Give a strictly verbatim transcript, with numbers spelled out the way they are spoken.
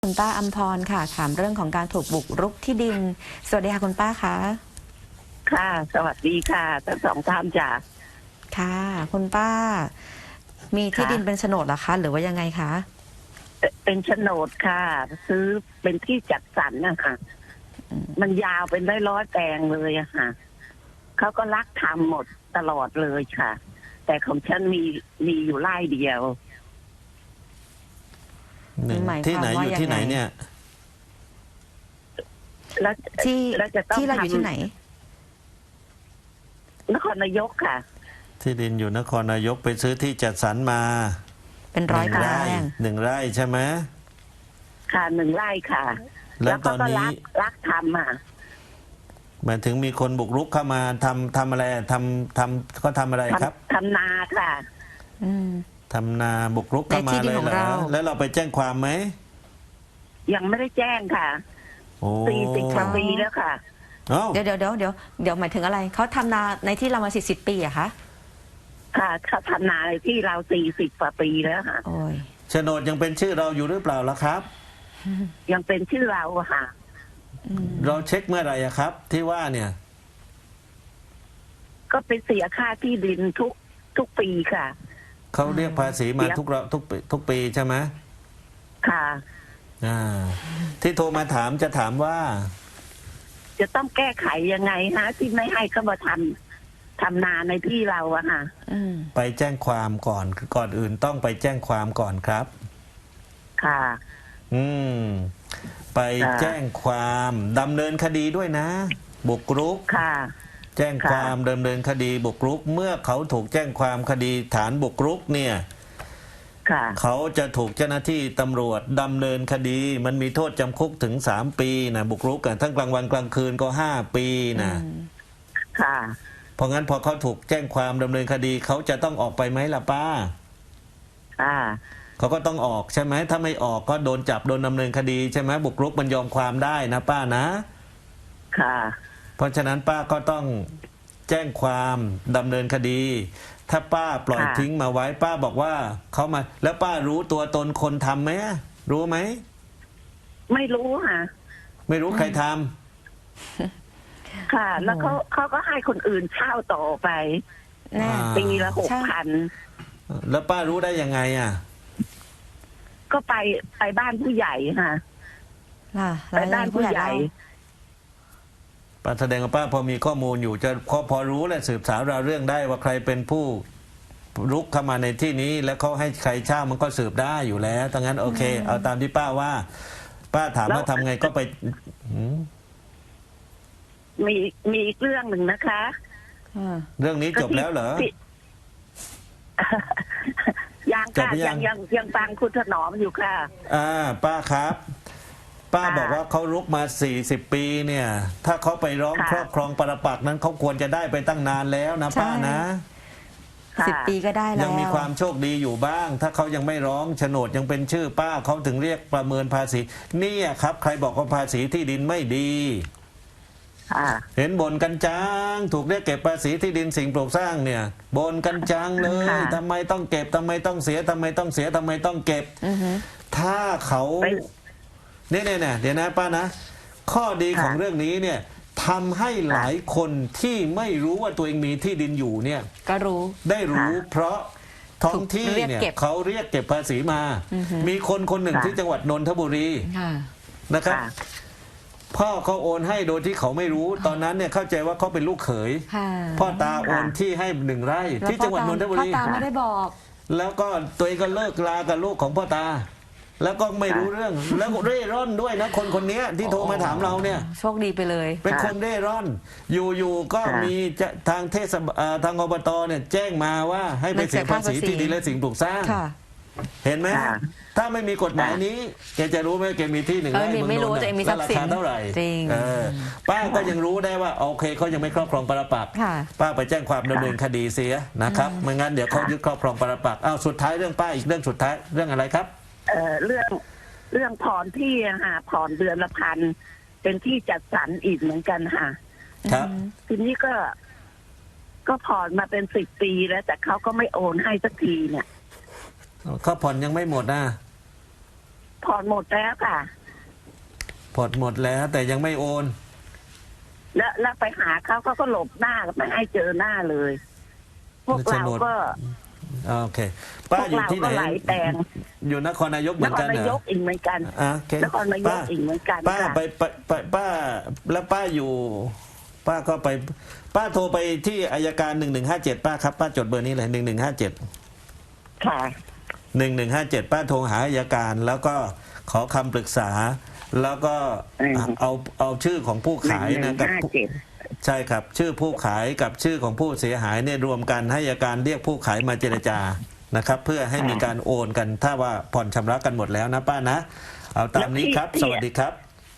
คุณป้าอัมพรค่ะถามเรื่องของการถูกบุกรุกที่ดินสวัสดีค่ะคุณป้าคะค่ะสวัสดีค่ะทั้งสองท่านจ้ะค่ะคุณป้า มีที่ค่ะดินเป็นโฉนดเหรอคะหรือว่ายังไงคะเอ่อเป็นโฉนดค่ะ ซื้อเป็นที่จัดสรรนะคะอืมมันยาวเป็นร้อยร้อยๆแปลงเลยอะค่ะเขาก็รักทำหมดตลอดเลยค่ะ แต่ของฉันมีมีอยู่ไร่เดียวหนึ่งหมายคที่วามไหนว่าอยู่ยังที่ไหไงนเนี่ยแล้วที่แล้วจะต้องที่เราอยู่ที่ไหนทำนครนายกค่ะที่ดินอยู่นครนายกไปซื้อที่จัดสรรมาเป็นหร้อยนึ่งแปลไร่งหนึ่งไร่ใช่ไหมค่ะหนึ่งไร่ค่ะแล้วตเขาอนก็นี้รักรักทำอ่ะหมายถึงมีคนบุกรุกเข้ามาทำทำอะไรทำทำก็ทำอะไรครับทำทำนาค่ะอืมทำนาบุกรุกเข้าในมาที่ดิเลนยของเหรอเราแล้วเราไปแจ้งความไหมยังไม่ได้แจ้งค่ะโอ้สี่สิบกว่าปีแล้วค่ะเอ้าเดี๋ยวเดี๋ยวเดี๋ยวเดี๋ยวเดี๋ยวหมายถึงอะไรเขาทำนาในที่เรามาสี่สิบปีอะคะค่ะเขาทำนาในที่เราสี่สิบกว่าปีแล้วค่ะโอ้ยโฉนดยังเป็นชื่อเราอยู่หรือเปล่าล่ะครับยังเป็นชื่อเราอะค่ะอืมเราเช็คเมื่อไหร่อะครับ ที่ว่าเนี่ยก็เป็นเสียค่าที่ดินทุกทุกปีค่ะเขาเรียกภาษีมาทุกเราทุกปีทุกปีใช่ไหมค่ะอ่าที่โทรมาถามจะถามว่าจะต้องแก้ไขยังไงฮะ ที่ไม่ให้เขามาทำทำนาในที่เราอะค่ะอืมไปแจ้งความก่อนก่อนอื่นต้องไปแจ้งความก่อนครับค่ะอืม ไปค่ะแจ้งความดำเนินคดีด้วยนะ บุกรุกค่ะแจ้งความดำเนินคดีบุกรุก เมื่อเขาถูกแจ้งความคดีฐานบุกรุกเนี่ยค่ะเขาจะถูกเจ้าหน้าที่ตำรวจดำเนินคดี มันมีโทษจำคุกถึงสามปีนะบุกรุกกันทั้งกลางวันกลางคืนก็ห้าปีนะอืมค่ะเพราะงั้นพอเขาถูกแจ้งความดำเนินคดีเขาจะต้องออกไปไหมล่ะป้าค่ะเขาก็ต้องออกใช่ไหมถ้าไม่ออกก็โดนจับโดนดำเนินคดีใช่ไหมบุกรุกมันยอมความได้นะป้านะค่ะเพราะฉะนั้นป้าก็ต้องแจ้งความดำเนินคดี ถ้าป้าปล่อยค่ะทิ้งมาไว้ ป้าบอกว่าเขามา แล้วป้ารู้ตัวตนคนทำไหมรู้ไหมไม่รู้ค่ะไม่รู้ใครทำค่ะ แล้วเขาเขาก็ให้คนอื่นเช่าต่อไปแน่อ่าปีละหกพันแล้วป้ารู้ได้ยังไงอ่ะก็ไปไปบ้านผู้ใหญ่ค่ะล่ะไปบ้านผู้ใหญ่ป้าแสดงว่าป้าพอมีข้อมูลอยู่จะพอพอรู้และสืบสาวราวเรื่องได้ว่าใครเป็นผู้รุกเข้ามาในที่นี้ แล้วเขาให้ใครเช่ามันก็สืบได้อยู่แล้วดังนั้นโอเค เอาตามที่ป้าว่า ป้าถามว่าทำไงก็ไปหืมมีมีอีกเรื่องหนึ่งนะคะอ่าเรื่องนี้จบแล้วเหรอที่ ยังจบค่ะหรือยัยัง งยังยังฟังคุณถนอมอยู่ค่ะอ่าป้าครับ ป้าค่ะบอกว่าเขารุกมาสี่สิบปีเนี่ย ถ้าเขาไปร้องค่ะครอบครองปรปักษ์นั้นเขาควรจะได้ไปตั้งนานแล้วนะป้านะค่ะสิบปีก็ได้แล้วยังมีความโชคดีอยู่บ้าง ถ้าเขายังไม่ร้องโฉนดยังเป็นชื่อป้าเขาถึงเรียกประเมินภาษีเนี่ยครับ ใครบอกว่าภาษีที่ดินไม่ดีค่ะเห็นบ่นกันจังถูกเรียกเก็บภาษีที่ดินสิ่งปลูกสร้างเนี่ยบ่นกันจังเลยค่ะทำไมต้องเก็บทำไมต้องเสียทำไมต้องเสียทำไมต้องเก็บอือฮึถ้าเขาไปเนี่ยเนี่ยเนี่ยเดี๋ยวนะป้านะ ข้อดีค่ะของเรื่องนี้เนี่ยทำให้หลายคนที่ไม่รู้ว่าตัวเองมีที่ดินอยู่เนี่ยก็รู้ได้รู้ เพราะท้องที่ถูกเรียกเนี่ยเก็บเขาเรียกเก็บภาษีมาอือฮึมีคนคนหนึ่งค่ะที่จังหวัดนนทบุรีค่ะนะครับค่ะพ่อเขาโอนให้โดยที่เขาไม่รู้ ตอนนั้นเนี่ยเข้าใจว่าเขาเป็นลูกเขยค่ะพ่อตาโอนที่ให้หนึ่งไร่แล้วที่จังหวัดนนทบุรีพ่อตาไม่ได้บอกแล้วก็ตัวเองก็เลิกลากับลูกของพ่อตา แล้วก็ไม่รู้เรื่อง แล้วก็เร่ร่อนด้วยนะคนคนนี้ที่โทรมาถามเราเนี่ยโชคดีไปเลยเป็นคนเร่ร่อน อยู่ๆก็ค่ะมีจะทางเทศบาลเอ่อทางอบตเนี่ยแจ้งมาว่าให้ไปเสียภาษีที่ดินและสิ่งปลูกสร้างค่ะเห็นไหมค่ะถ้าไม่มีกฎหมายนี้แกจะรู้ไหมแกมีที่หนึ่งเออไร่มีเมืองไม่นรู้นท์ตัวเองมีแล้วทรัราพย์สินคาเท่าไหร่จริงเออป้าก็ยังรู้ได้ว่าโอเคเขายังไม่ครอบครองปรปักษ์ค่ะป้าไปแจ้งความดำเนินคดีเสียนะครับไม่งั้นเดี๋ยวเขายึดครอบครองปรปักษ์อ้าวสุดท้ายเรื่องป้าอีกเรื่องสุดท้ายเรื่องอะไรครับเอ่อเรื่องเรื่องผ่อนที่อะค่ะผ่อนเดือนละพันเป็นที่จัดสรรอีกเหมือนกันค่ะครับทีนี้ก็ ก็ผ่อนมาเป็นสิบปีแล้ว แต่เขาก็ไม่โอนให้สักทีเนี่ยเขาผ่อนยังไม่หมดนะผ่อนหมดแล้วค่ะผ่อนหมดแล้วแต่ยังไม่โอนแล้วแล้วไปหาเขาเขาก็หลบหน้าไม่ให้เจอหน้าเลย พวกเราก็โอเคพป้าวกอยู่เราที่ไหนก็ไหลแตงอยู่นครนายกเหนมือนคกัรนเหนาร ยอกอีกเหมือนกันอ่ะโอเคนครนายกป้าอีกเหมือนกันป้าค่ะไปไปไปป้าแล้วป้าอยู่ ป้าก็ไป ป้าโทรไปที่อายการหนึ่งหนึ่งห้าเจ็ดป้าครับป้าจดเบอร์นี้เลยหนึ่งหนึ่งห้าเจ็ดค่ะหนึ่งหนึ่งห้าเจ็ดป้าโทรหาอายการ แล้วก็ขอคำปรึกษา แล้วก็อืมเอาเอาชื่อของผู้หนึ่ขาง ยหนึ่นะงกับห้าผู้เจ็ดใช่ครับ ชื่อผู้ขายกับชื่อของผู้เสียหายเนี่ยรวมกันให้อัยการเรียกผู้ขายมาเจรจานะครับ เพื่อให้มีการโอนกันถ้าว่าผ่อนชำระกันหมดแล้วนะป้านะ เอาตามนี้ครับ สวัสดีครับ